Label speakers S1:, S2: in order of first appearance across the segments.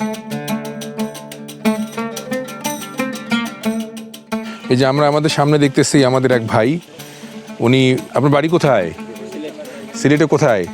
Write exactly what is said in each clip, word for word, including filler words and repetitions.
S1: এই যে আমরা আমাদের সামনে দেখতেছি আমাদের এক ভাই, উনি, আপনার বাড়ি কোথায়? সিলেটে কোথায়?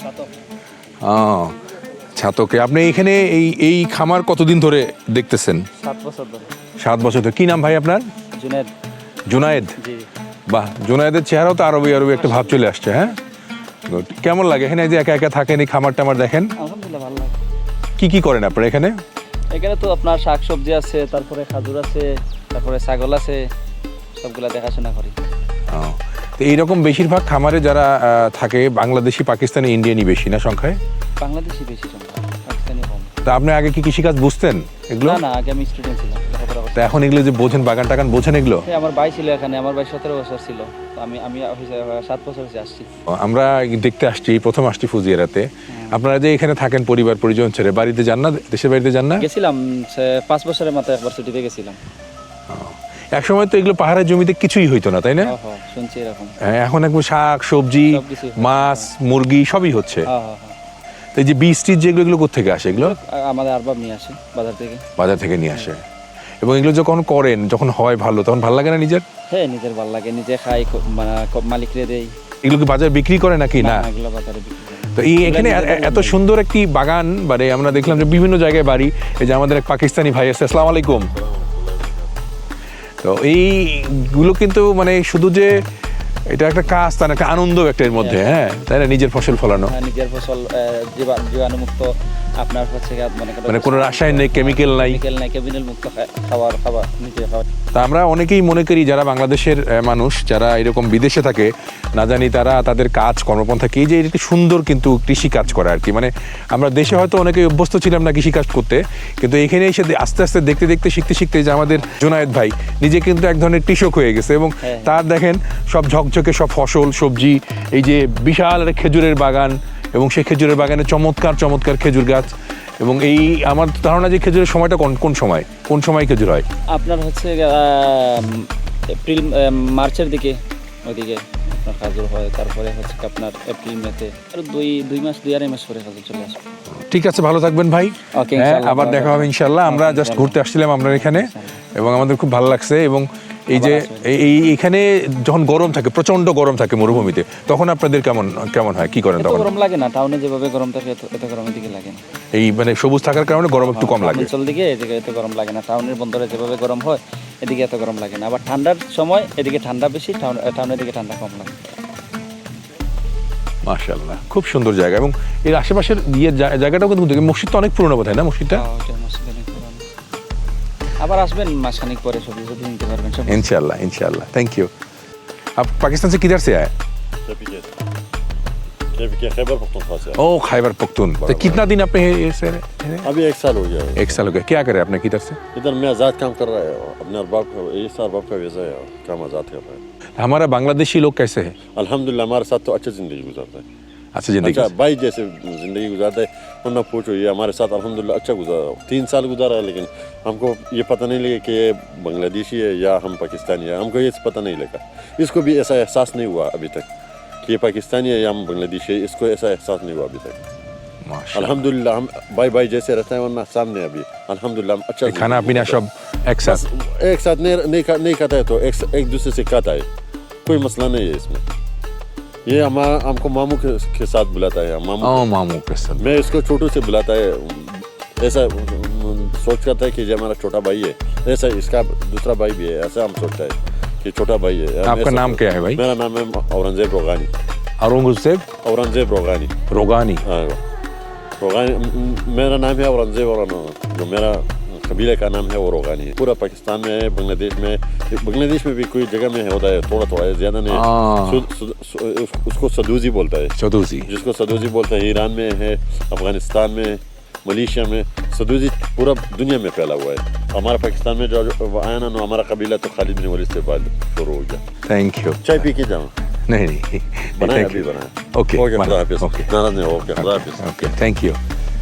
S1: ও ছাতকে। আপনি এখানে এই এই খামার কতদিন ধরে দেখতেছেন?
S2: সাত বছর ধরে।
S1: সাত বছর ধরে। কি নাম ভাই আপনার?
S2: জুনায়েদ।
S1: জুনায়েদ?
S2: জি।
S1: বাহ, জুনায়েদের চেহারাও তো আরবি আরবি একটা ভাব চলে আসছে। হ্যাঁ, গুড। কেমন লাগে এখানে যে একা একা থাকেন, এই খামার টামার দেখেন?
S2: আলহামদুলিল্লাহ ভালো লাগে।
S1: কি কি করেন আপনারা এখানে?
S2: এখানে তো আপনার শাক সবজি আছে, তারপরে খাজুর আছে, তারপরে ছাগল আছে, সবগুলা দেখাশোনা করি।
S1: ও, তো এইরকম বেশিরভাগ খামারে যারা আহ, থাকে বাংলাদেশি, পাকিস্তানি, ইন্ডিয়ানই বেশি না সংখ্যায়?
S2: বাংলাদেশি বেশি সংখ্যা, পাকিস্তানি কম।
S1: তা আপনি আগে কি কৃষিকাজ বুঝতেন এগুলো?
S2: না না, আগে আমি স্টুডেন্ট ছিলাম, লেখাপড়া করতাম।
S1: তা এখন এগুলো যে বোঝেন, বাগান টাগান বোঝেন এগুলো?
S2: হ্যাঁ, আমার ভাই ছিল এখানে, আমার ভাই সতেরো বছর ছিল, তো আমি আমি সাত বছর হচ্ছে আসছি।
S1: আমরা দেখতে আসছি, প্রথম আসছি ফুজিয়ারাতে। আপনারা যে এখানে থাকেন পরিবার পরিজন ছেড়ে, বাড়িতে যান না? দেশের বাড়িতে যান না?
S2: গেছিলাম সে- পাঁচ বছরের মাথায় একবার ছুটিতে গেছিলাম।
S1: এক সময় তো এগুলো পাহাড়ের জমিতে কিছুই হইতো না, তাই না?
S2: হ্যাঁ হ্যাঁ, শুনছি এরকম।
S1: হ্যাঁ, এখন একদম শাক সবজি,
S2: সবকিছুই হয়।
S1: মাছ, মুরগি সবই হচ্ছে।
S2: হ্যাঁ হ্যাঁ হ্যাঁ।
S1: তো এই যে বীজ টিজ যেগুলো, এগুলো কোথেকে আসে এগুলো?
S2: আ- আমাদের আরবাব নিয়ে আসে বাজার থেকে।
S1: বাজার থেকে নিয়ে আসে। এবং এগুলো যখন করেন, যখন হয় ভালো, তখন ভালো লাগে না নিজের?
S2: হ্যাঁ, নিজের ভালো লাগে, নিজে খাই, ক- মানে ক- মালিকরে দেই।
S1: এগুলো কি বাজারে বিক্রি করে নাকি না?
S2: এগুলো বাজারে বিক্রি করে।
S1: তো এই এখানে এ- এ- এত সুন্দর একটি বাগান, মানে আমরা দেখলাম যে বিভিন্ন জায়গায় বাড়ি। এই যে আমাদের এক পাকিস্তানি ভাই আছে, আসসালামু আলাইকুম। তো এইগুলো কিন্তু মানে শুধু যে এটা একটা কাজ, তার একটা আনন্দ একটা এর মধ্যে, হ্যাঁ তাই না? নিজের ফসল ফলানো,
S2: হ্যাঁ, নিজের ফসল, আহ, জীবা- জীবাণুমুক্ত, আপনার হচ্ছে গিয়ে মনে করেন
S1: মানে কোনো রাসায়ন নেই, কেমিক্যাল নাই।
S2: কেমিক্যাল নাই, কেমিক্যাল মুক্ত খা- খাবার খাবার নিজে খাবার।
S1: তা আমরা অনেকেই মনে করি যারা বাংলাদেশের আহ, মানুষ, যারা এরকম বিদেশে থাকে, না জানি তারা তাদের কাজ কর্মপন্থা কি, এই যে একটি সুন্দর কিন্তু কৃষি কাজ করে আর কি। মানে আমরা দেশে হয়তো অনেকেই অভ্যস্ত ছিলাম না কৃষি কাজ করতে, কিন্তু এখানে এসে দে- আস্তে আস্তে দেখতে দেখতে শিখতে শিখতে যে আমাদের জুনায়েদ ভাই নিজে কিন্তু এক ধরনের কৃষক হয়ে গেছে। এবং
S2: হ্যাঁ।
S1: তার দেখেন সব ঝকঝকে সব ফসল সবজি, এই যে বিশাল একটা খেজুরের বাগান, এবং সেই খেজুরের বাগানে চমৎকার চমৎকার খেজুর গাছ। এবং এই আমার ধারণা যে খেজুরের সময়টা কোন কোন সময় কোন সময় খেজুর হয়?
S2: আপনার হচ্ছে গিয়ে, আহ, এপ্রিল আহ, মার্চের দিকে ওইদিকে আপনার খাজুর হয়, তারপরে হচ্ছে কি আপনার এপ্রিল মেতে, আর দুই দুই মাস দুই আড়াই মাস করে খাজুর চলে আসবে।
S1: ঠিক আছে, ভালো থাকবেন ভাই।
S2: ওকে,
S1: হ্যাঁ,
S2: ইনশাআল্লাহ,
S1: আবার
S2: ভালো
S1: দেখা হবে
S2: থাকবেন।
S1: ইনশাল্লাহ। আমরা
S2: ওকে,
S1: জাস্ট
S2: ইনশাআল্লাহ।
S1: ঘুরতে আসছিলাম আপনার এখানে, এবং আমাদের খুব ভালো লাগছে। এবং এই যে
S2: আবার আসবেন।
S1: এই এই- এখানে যখন গরম থাকে, প্রচন্ড গরম থাকে মরুভূমিতে, তখন আপনাদের কেমন কেমন হয়, কি করেন
S2: এত
S1: তখন?
S2: গরম লাগে না, টাউনে যেভাবে গরম থাকে এত এত গরমের দিকে লাগে না।
S1: এই মানে সবুজ থাকার কারণে গরম একটু কম লাগে।
S2: অঞ্চল দিকে এদিকে এত গরম লাগে না, টাউনের বন্দরে যেভাবে গরম হয় এদিকে এত গরম লাগে না। আবার ঠান্ডার সময় এদিকে ঠান্ডা বেশি, টাউন টাউনের দিকে ঠান্ডা কম লাগে।
S1: মাশাআল্লাহ, খুব সুন্দর জায়গা। এবং এর আশেপাশের ইয়ে জা- জায়গাটাও কিন্তু দেখি, মসজিদটা অনেক পুরনো বোধ হয় না মসজিদটা?
S2: হ্যাঁ, ওইটা মসজিদ অনেক পুরানো। আবার আসবেন মাসখানিক পরে, সবজি সবজি নিতে পারবেন সব।
S1: इंशाल्लाह इंशाल्लाह, थैंक यू। आप पाकिस्तान से किधर से आए?
S3: के खैबर पख्तूनख्वा से।
S1: ओ खैबर पख्तून। तो कितना दिन आपने ये से रहे?
S3: अभी एक साल हो गया है।
S1: एक साल हो गया। क्या करे आपने किधर से?
S3: इधर मैं आज़ाद काम कर रहा है, अपने अरबाब का, ये साल अरबाब का वीज़ा है, काम आज़ाद कर रहा है।
S1: हमारा बांग्लादेशी लोग कैसे हैं?
S3: अल्हम्दुलिल्लाह हमारे साथ तो अच्छी ज़िंदगी गुजारता है,
S1: अच्छा जिंदगी
S3: अच्छा भाई जैसे ज़िंदगी गुजारता है। वरना पूछो, ये हमारे साथ अल्हम्दुलिल्लाह अच्छा गुजारा, तीन साल गुजारा है, लेकिन हमको ये पता नहीं लगा कि ये बांग्लादेशी है या हम पाकिस्तानी है, हमको ये पता नहीं लगा। इसको भी ऐसा एहसास नहीं हुआ अभी तक कि ये पाकिस्तानी है या हम बांग्लादेशी है, इसको ऐसा एहसास नहीं हुआ अभी तक।
S1: माशाल्लाह।
S3: अल्हम्दुलिल्लाह हम भाई भाई जैसे रहते हैं, वरना सामने अभी अल्हम्दुलिल्लाह हम अच्छा
S1: खाना
S3: ज़िंदगी
S1: पीना
S3: गुजारते
S1: सब एक साथ?
S3: हैं। एक साथ नहीं नहीं खा, नहीं खाता है तो एक, एक दूसरे से खाता है, कोई मसला नहीं है इसमें। ये हमारा हमको मामू के, के साथ बुलाता है, मामू
S1: ओ मामू के साथ।
S3: मैं इसको छोटू से बुलाता है, ऐसा सोच करता है कि ये हमारा छोटा भाई है, ऐसा इसका दूसरा भाई भी है, ऐसा हम सोचता है कि छोटा भाई है। हम
S1: आपका
S3: ऐसा-
S1: नाम क्या है भाई?
S3: मेरा नाम है औरंगजेब रोगानी।
S1: औरंगजेब
S3: औरंगजेब रोगानी
S1: रोगानी।
S3: हाँ, रोगानी म- मेरा नाम है औरंगजेब, और जो मेरा कबीले का नाम है वो रोगानी है। पूरा पाकिस्तान में है, बांग्लादेश में, बांग्लादेश में भी कोई जगह में होता है, थोड़ा थोड़ा है, ज़्यादा नहीं है।
S1: हाँ।
S3: सु- सु- सु- उस- उसको सदूजी बोलता है,
S1: चौधरी।
S3: जिसको सदूजी बोलते हैं। ईरान में है, अफगानिस्तान में, मलेशिया में सदूजी पूरा दुनिया में फैला हुआ है। हमारा पाकिस्तान में जो जो आया ना, हमारा कबीला तो खालिद बिन वलीद से बाद शुरू हो गया।
S1: Thank you.
S3: चाय पी के जाओ।
S1: नहीं नहीं
S3: बनाया
S1: Thank
S3: अभी
S1: you.
S3: बनाया।
S1: ओके
S3: ओके खुदा हाफिज़।
S1: ओके
S3: नाराज नहीं हो, ओके खुदा हाफिज़।
S1: Okay thank you.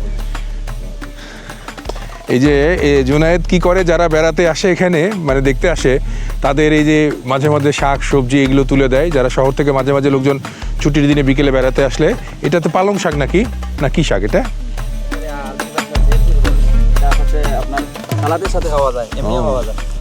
S1: এই যে এ জুনায়েদ কি করে, যারা বেড়াতে আসে এখানে, মানে দেখতে আসে, তাদের এই যে মাঝে মাঝে শাক সবজি এগুলো তুলে দেয়। যারা শহর থেকে মাঝে মাঝে লোকজন ছুটির দিনে বিকেলে বেড়াতে আসলে, এটা তো পালং শাক নাকি, না কি শাক এটা?
S2: সালাদের সাথে খাওয়া যায়, এমনিও
S1: ও।
S2: খাওয়া যায়।